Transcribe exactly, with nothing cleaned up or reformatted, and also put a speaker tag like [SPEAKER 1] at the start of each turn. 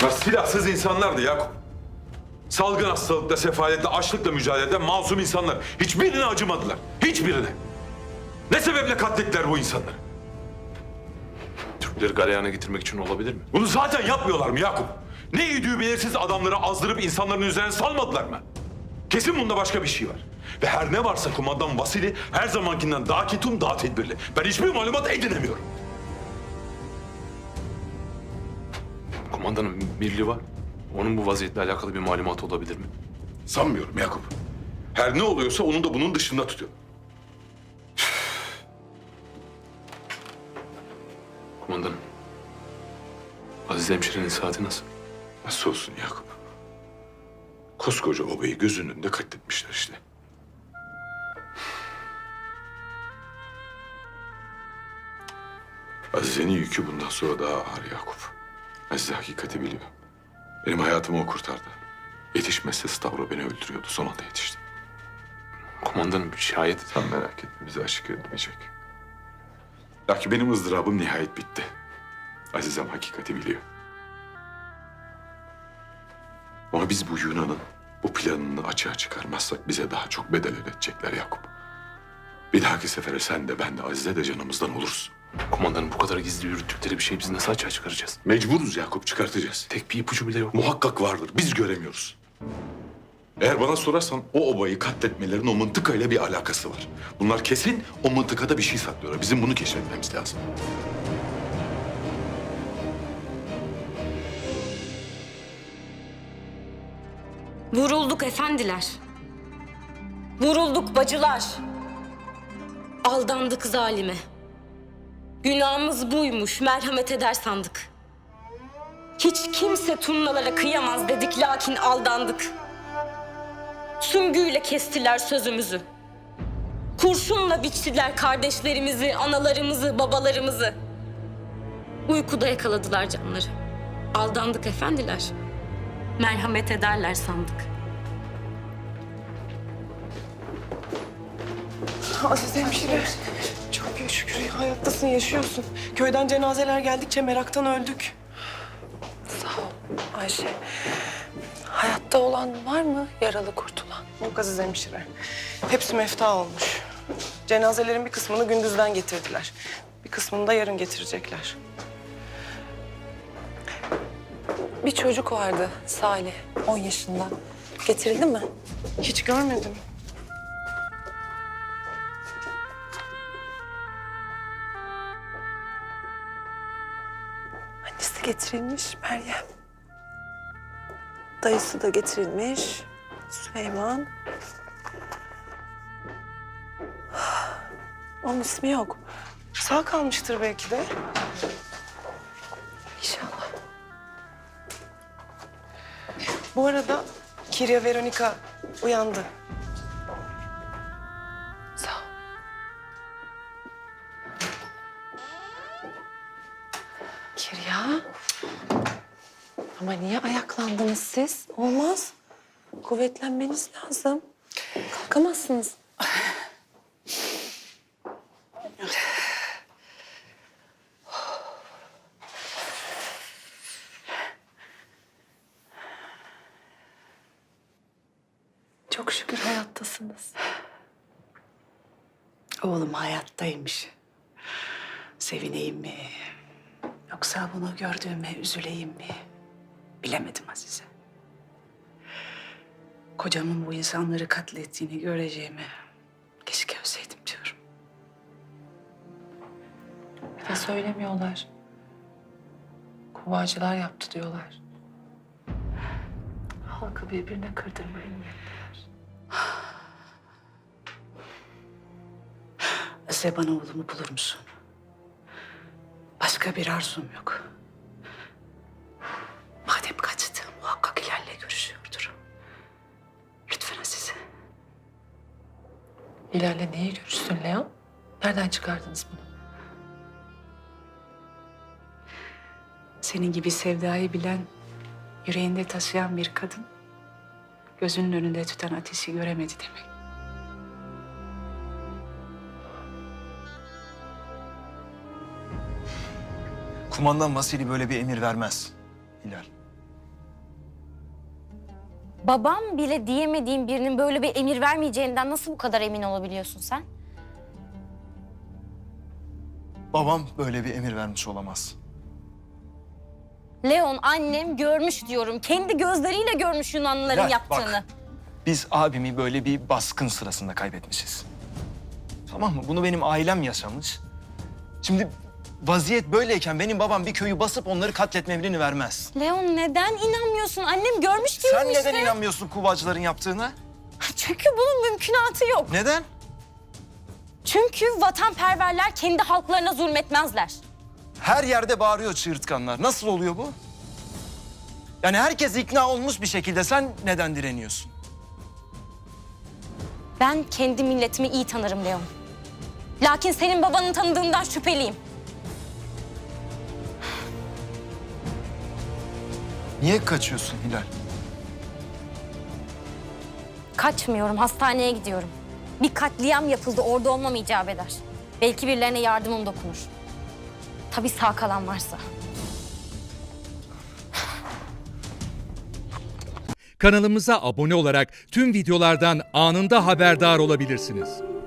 [SPEAKER 1] Bunlar silahsız insanlardı Yakup. Salgın hastalıkla, sefaletle, açlıkla mücadele eden masum insanlar. Hiçbirine acımadılar. Hiçbirine. Ne sebeple katlettiler bu insanları?
[SPEAKER 2] Türkleri galeyana getirmek için olabilir mi?
[SPEAKER 1] Bunu zaten yapmıyorlar mı Yakup? Ne idüğü belirsiz adamları azdırıp insanların üzerine salmadılar mı? Kesin bunda başka bir şey var. Ve her ne varsa kumandan Vasili her zamankinden daha ketum, daha tedbirli. Ben hiçbir malumat edinemiyorum.
[SPEAKER 2] Kumandanın birliği var. Onun bu vaziyetle alakalı bir malumatı olabilir mi?
[SPEAKER 1] Sanmıyorum Yakup. Her ne oluyorsa onu da bunun dışında tutuyor.
[SPEAKER 2] Kumandanım. Aziz hemşirenin saati nasıl?
[SPEAKER 1] Nasıl olsun Yakup? Koskoca obayı gözünün önünde katletmişler işte. Azize'nin yükü bundan sonra daha ağır Yakup. Azize hakikati biliyor. Benim hayatımı o kurtardı. Yetişmezse Stavro beni öldürüyordu. Son anda yetişti.
[SPEAKER 2] Kumandanım şayet...
[SPEAKER 1] Sen merak etme, bizi aşık etmeyecek. Lakin benim ızdırabım nihayet bitti. Azizem hakikati biliyor. Ama biz bu Yunan'ın bu planını açığa çıkarmazsak bize daha çok bedel ödetecekler Yakup. Bir dahaki sefere sen de ben de Azize de canımızdan oluruz.
[SPEAKER 2] Kumandanım bu kadar gizli yürüttükleri bir şeyi biz nasıl açığa çıkaracağız?
[SPEAKER 1] Mecburuz Yakup, çıkartacağız.
[SPEAKER 2] Tek bir ipucu bile yok.
[SPEAKER 1] Muhakkak vardır, biz göremiyoruz. Eğer bana sorarsan o obayı katletmelerin o mıntıkayla bir alakası var. Bunlar kesin o mıntıkada bir şey saklıyorlar. Bizim bunu keşfetmemiz lazım.
[SPEAKER 3] Vurulduk efendiler. Vurulduk bacılar. Aldandık zalime. Günahımız buymuş, merhamet eder sandık. Hiç kimse turnalara kıyamaz dedik, lakin aldandık. Süngüyle kestiler sözümüzü. Kurşunla biçtiler kardeşlerimizi, analarımızı, babalarımızı. Uykuda yakaladılar canları. Aldandık efendiler. Merhamet ederler sandık.
[SPEAKER 4] Aziz hemşire, çok iyi şükür hayattasın, yaşıyorsun. Köyden cenazeler geldikçe meraktan öldük.
[SPEAKER 5] Sağ ol Ayşe. Hayatta olan var mı yaralı kurtulan?
[SPEAKER 4] Yok Aziz hemşire. Hepsi mefta olmuş. Cenazelerin bir kısmını gündüzden getirdiler. Bir kısmını da yarın getirecekler.
[SPEAKER 5] Bir çocuk vardı Salih, on yaşında. Getirildi mi?
[SPEAKER 4] Hiç görmedim.
[SPEAKER 5] Annesi getirilmiş Meryem. Dayısı da getirilmiş Süleyman. Onun ismi yok.
[SPEAKER 4] Sağ kalmıştır belki de.
[SPEAKER 5] İnşallah.
[SPEAKER 4] Bu arada Kirya Veronika uyandı.
[SPEAKER 5] Sağ ol. Kirya. Ama niye ayaklandınız siz? Olmaz. Kuvvetlenmeniz lazım. Kalkamazsınız. Çok şükür hayattasınız.
[SPEAKER 6] Oğlum hayattaymış. Sevineyim mi? Yoksa bunu gördüğüme üzüleyim mi? Bilemedim Azize. Kocamın bu insanları katlettiğini göreceğimi keşke ölseydim diyorum.
[SPEAKER 5] Bir de söylemiyorlar. Kuvacılar yaptı diyorlar. Halkı birbirine kırdırmayı niyetliler.
[SPEAKER 6] Azize bana oğlumu bulur musun? Başka bir arzum yok. Madem kaçtı muhakkak Hilal'le görüşüyordur. Lütfen Azize.
[SPEAKER 5] Hilal'le niye görüşsün Leon? Nereden çıkardınız bunu?
[SPEAKER 6] Senin gibi sevdayı bilen, yüreğinde taşıyan bir kadın... gözünün önünde tüten ateşi göremedi demek.
[SPEAKER 7] Kumandan Vasili böyle bir emir vermez Hilal.
[SPEAKER 3] Babam bile diyemediğin birinin böyle bir emir vermeyeceğinden nasıl bu kadar emin olabiliyorsun sen?
[SPEAKER 7] Babam böyle bir emir vermiş olamaz.
[SPEAKER 3] Leon, annem görmüş diyorum. Kendi gözleriyle görmüş Yunanlıların
[SPEAKER 7] Hilal,
[SPEAKER 3] yaptığını.
[SPEAKER 7] bak. Biz abimi böyle bir baskın sırasında kaybetmişiz. Tamam mı? Bunu benim ailem yaşamış. Şimdi vaziyet böyleyken benim babam bir köyü basıp onları katletme emrini vermez.
[SPEAKER 3] Leon, neden inanmıyorsun? Annem görmüş diyorum
[SPEAKER 7] Sen
[SPEAKER 3] işte.
[SPEAKER 7] neden inanmıyorsun Kuvacıların yaptığına?
[SPEAKER 3] Çünkü bunun mümkünatı yok.
[SPEAKER 7] Neden?
[SPEAKER 3] Çünkü vatanperverler kendi halklarına zulmetmezler.
[SPEAKER 7] Her yerde bağırıyor çığırtkanlar. Nasıl oluyor bu? Yani herkes ikna olmuş bir şekilde. Sen neden direniyorsun?
[SPEAKER 3] Ben kendi milletimi iyi tanırım Leon. Lakin senin babanın tanıdığından şüpheliyim.
[SPEAKER 7] Niye kaçıyorsun Hilal?
[SPEAKER 3] Kaçmıyorum, hastaneye gidiyorum. Bir katliam yapıldı, orada olmam icap eder. Belki birilerine yardımım dokunur. Tabii sağ kalan varsa.
[SPEAKER 8] Kanalımıza abone olarak tüm videolardan anında haberdar olabilirsiniz.